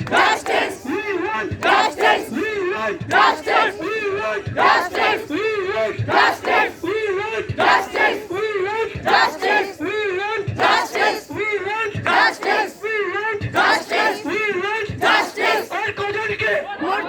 Justice! We want Justice! We want Justice! We want Justice! We want Justice! We want Justice! We want Justice! We want Justice! We want Justice! We want Justice! We want Justice! আর কজনকে